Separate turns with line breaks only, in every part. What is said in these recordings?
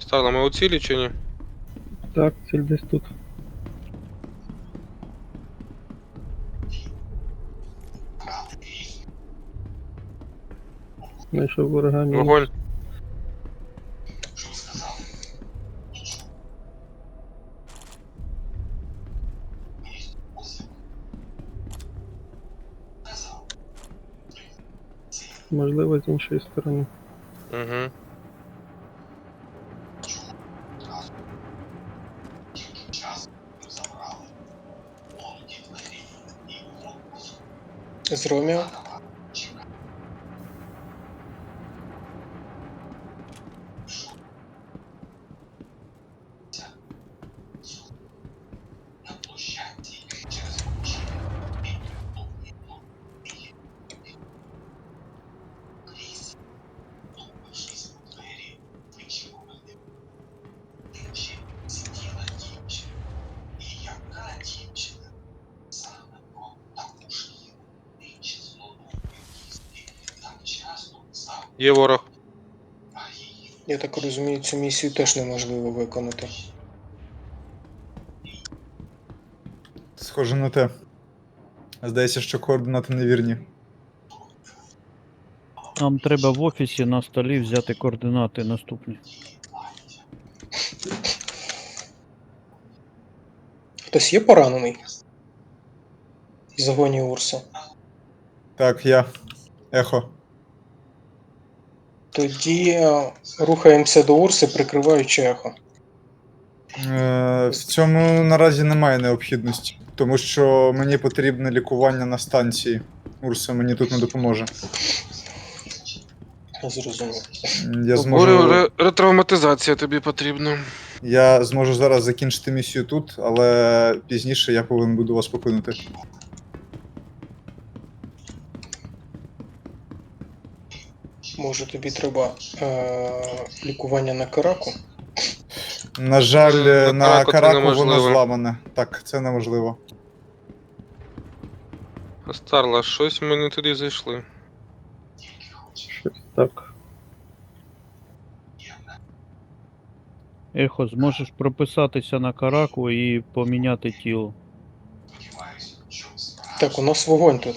Старла, ми у цілі чи ні?
Так, ціль десь тут. Знайшов ворога мінус.
Вогонь.
Можливо, з іншої сторони.
Угу.
З Ромео.
Є ворог.
Я так розумію, цю місію теж неможливо виконати.
Схоже на те. Здається, що координати невірні.
Нам треба в офісі на столі взяти координати наступні.
Хтось є поранений? В загоні Урса.
Так, я. Ехо.
Тоді рухаємося до Урси, прикриваючи ехо.
В цьому наразі немає необхідності, тому що мені потрібне лікування на станції. Урса мені тут не допоможе.
Зрозумів.
Я зможу,
Ретравматизація тобі потрібна.
я зможу зараз закінчити місію тут, але пізніше я повинен буду вас покинути.
Може тобі треба лікування на Караку?
На жаль,
На
на
Караку це
Караку воно
неможливо.
зламане. Так, це неможливо.
Старла, щось ми не туди зайшли.
Щось так.
Ехо, зможеш прописатися на караку і поміняти тіло.
Так, у нас вогонь тут.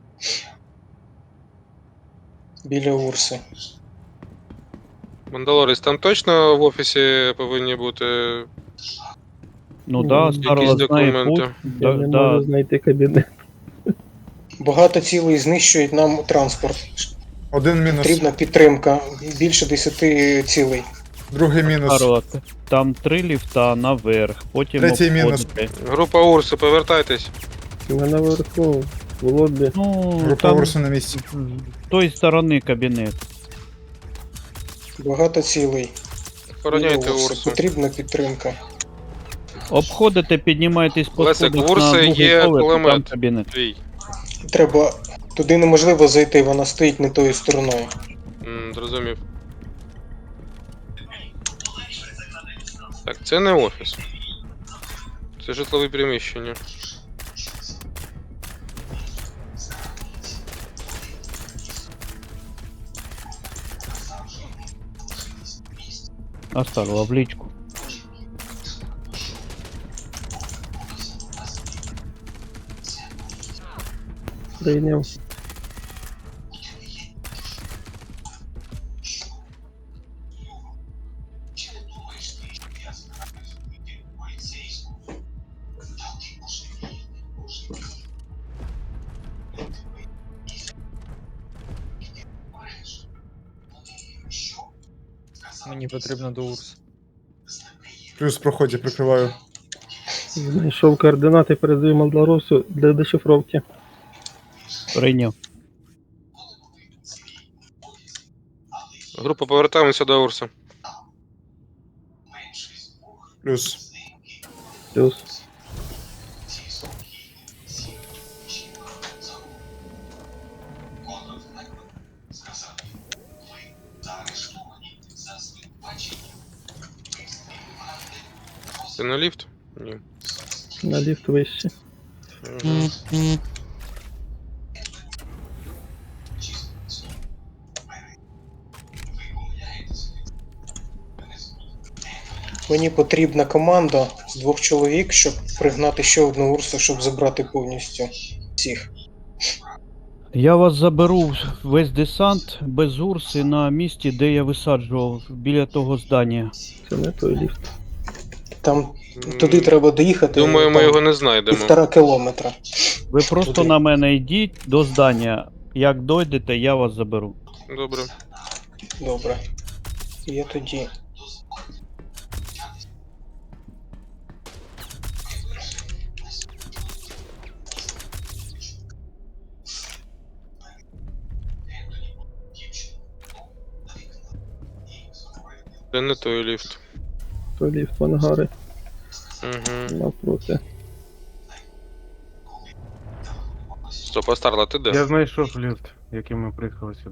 Біля Урси.
Мандалорець, там точно в офісі повинні бути.
Ну
Ну,
да,
якісь
Старла знає
документи.
путь.
Я не можу знайти кабінет.
Багато цілей знищують нам транспорт.
Один мінус,
Потрібна підтримка. Більше 10 цілей.
другий мінус.
Старла, там 3 ліфта наверх, потім
Третій мінус.
обходите.
Група Урси, повертайтесь.
Ми наверху, в лобі.
Ну,
Група
там
Урсу на місці.
з тої сторони кабінет.
Багато цілей.
Охороняйте
Біля Урси.
Урсу.
Потрібна підтримка.
Обходите, піднімаєтесь по
Лесик,
сходах
в Урси
на другий
є
поверх, і там
кулемет.
кабінет.
Твій.
Треба. Туди неможливо зайти, вона стоїть не тою стороною.
Зрозумів. Так, це не офіс. Це житлове приміщення.
А Старла в лічку.
Прийняв.
Мені потрібно до Урс.
Плюс в проході прикриваю.
Знайшов координати, передаю Малдоросу для дешифровки.
Прийняв.
Група, повертаємося до Урса.
Плюс.
Плюс.
Це на ліфт? Ні.
На ліфт вище.
Угу.
Мені потрібна команда з 2 чоловік, щоб пригнати ще одну урсу, щоб забрати повністю всіх.
Я вас заберу весь десант без Урси на місці, де я висаджував, біля того здання.
Це не той ліфт.
Там туди треба доїхати.
Думаю, ми
там
його не знайдемо.
1,5 кілометра.
Ви просто
Туди.
на мене йдіть до здання. Як дойдете, я вас заберу.
Добре.
Добре. Я тоді.
Це не той ліфт.
Той ліфт в ангари
Угу.
навпроти.
Стоп, а Старла, ти де?
Я знайшов ліфт, яким ми приїхали сюди.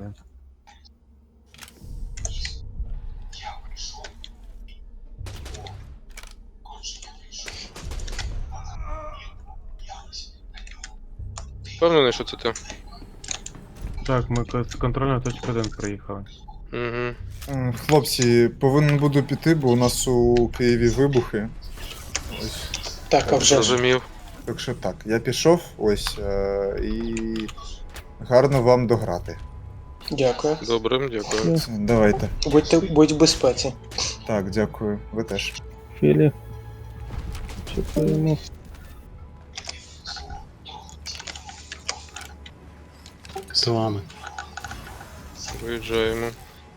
Впевнений, що це ти?
Так, ми з контрольної точки 1 приїхали.
Угу.
Хлопці, повинен буду піти, бо у нас у Києві вибухи. Ось.
Так, а вже ж.
Зрозумів.
Так що так, я пішов, ось, і гарно вам дограти.
Дякую.
Добре, дякую.
Все, давайте.
Будь в безпеці.
Так, дякую. Ви теж.
Філі. Чекаємо.
З вами.
Виїжджаємо.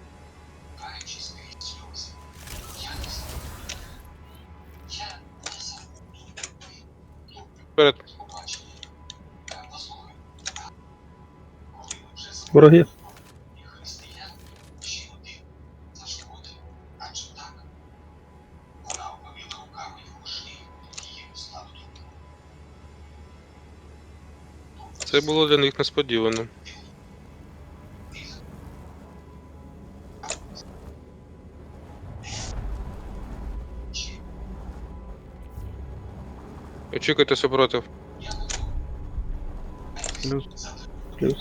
Вперед.
Вороги.
Це було для них несподівано. Очікуйте супротив.
Плюс
Плюс.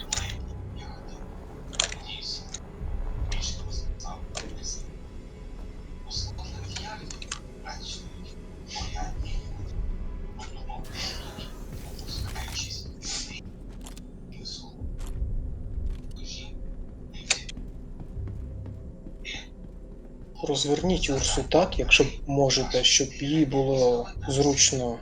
Розверніть Урсу так, якщо можете, щоб їй було зручно.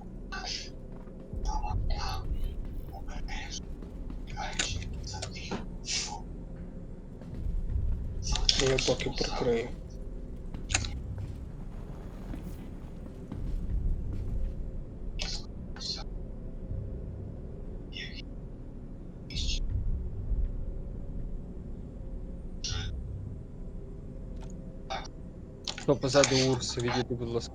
Я поки прикрию.
Хто позаду Урси, відійди, будь ласка.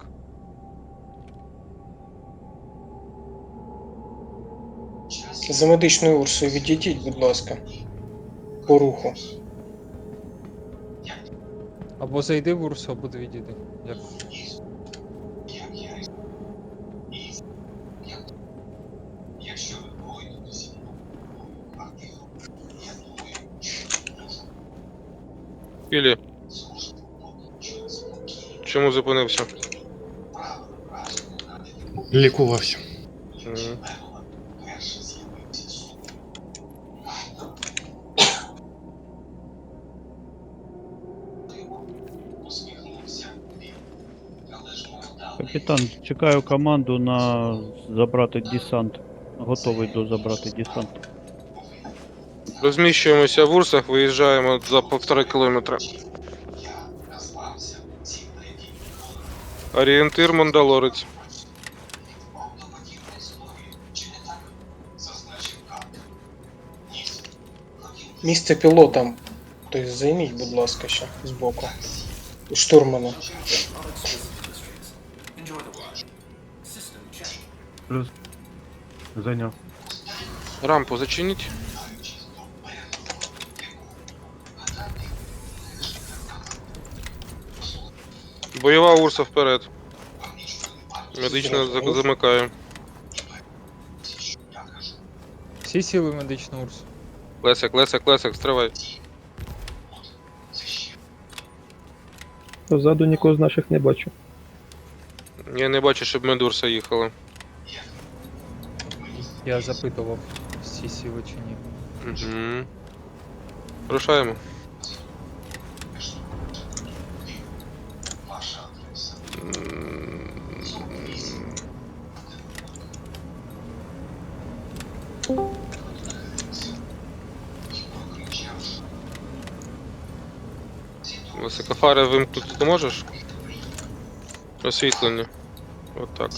За медичною Урсою відійдіть, будь ласка. По руху.
Або зайди в Урсу, або відійди. Дякую.
Філі. Чому зупинився?
Лікувався.
Мгм.
Капітан, чекаю команду на забрати десант. Готовий до забрати десант.
Розміщуємося в Урсах, виїжджаємо за 1,5 кілометра. Орієнтир Мандалорець.
Місце пілота. Тобто займіть, будь ласка, ще збоку. У штурмана.
плюс. Зайняв.
Рампу зачиніть. Бойова Урса вперед. Медична замикає.
Всі сіли в медичну Урсу.
Лесик, стривай.
Позаду нікого з наших не бачу.
Я не бачу, щоб медурса їхала.
Я запитував, всі сіли чи ні.
Угу. Рушаємо. Високофари вимкнути ти можеш? Освітлення. От так.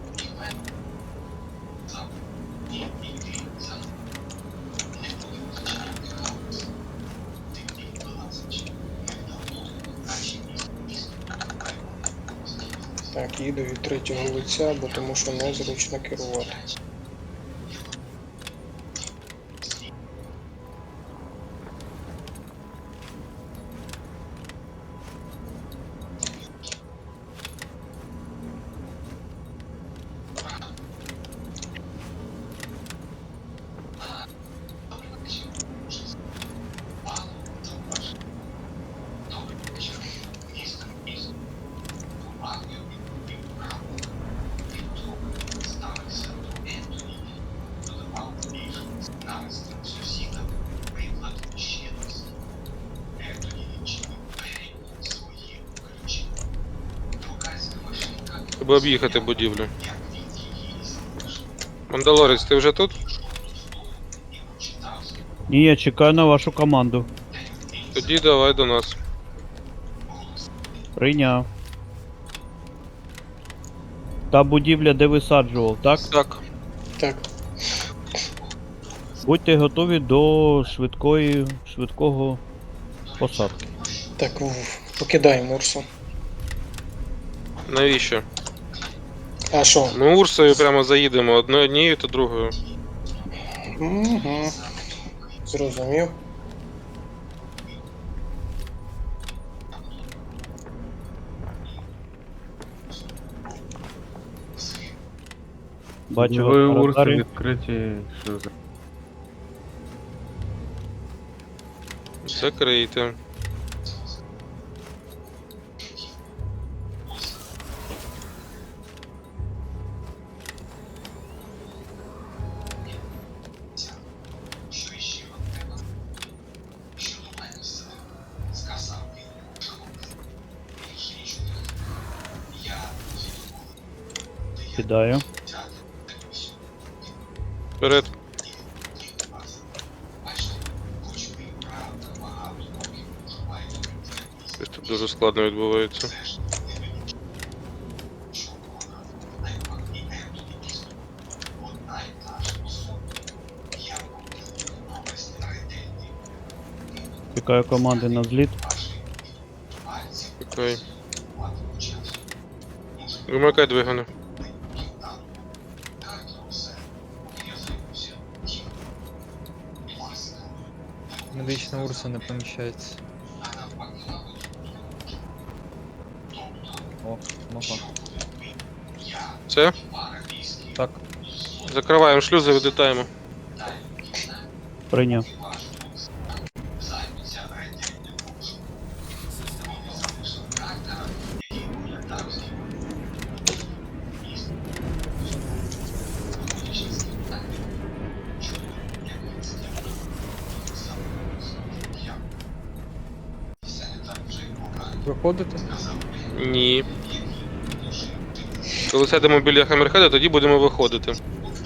Так, їду від третього лиця, бо тому що незручно керувати.
Треба об'їхати будівлю. Мандалорець, ти вже тут?
Ні, я чекаю на вашу команду.
Тоді давай до нас.
Прийняв. Та будівля, де висаджував, так?
Так.
Так,
Будьте готові до швидкого посадки.
так, покидаємо Урсу.
Навіщо?
А що?
Ми Урсою прямо заїдемо однією та другою.
Угу. Зрозумів.
Бачу
Ви
вас на
урси
радарі.
відкриті, що за...
Закрийте.
Кидаю.
Вперед. Щось тут дуже складно відбувається.
Чекаю команди на зліт.
Окей. Вимикай двигуни.
Медична урса не поміщається. О, могла.
Все?
Так,
Закриваємо шлюзи, відлітаємо.
Прийняв.
виходите?
Ні. Коли сядемо біля Хаммерхеда, тоді будемо виходити.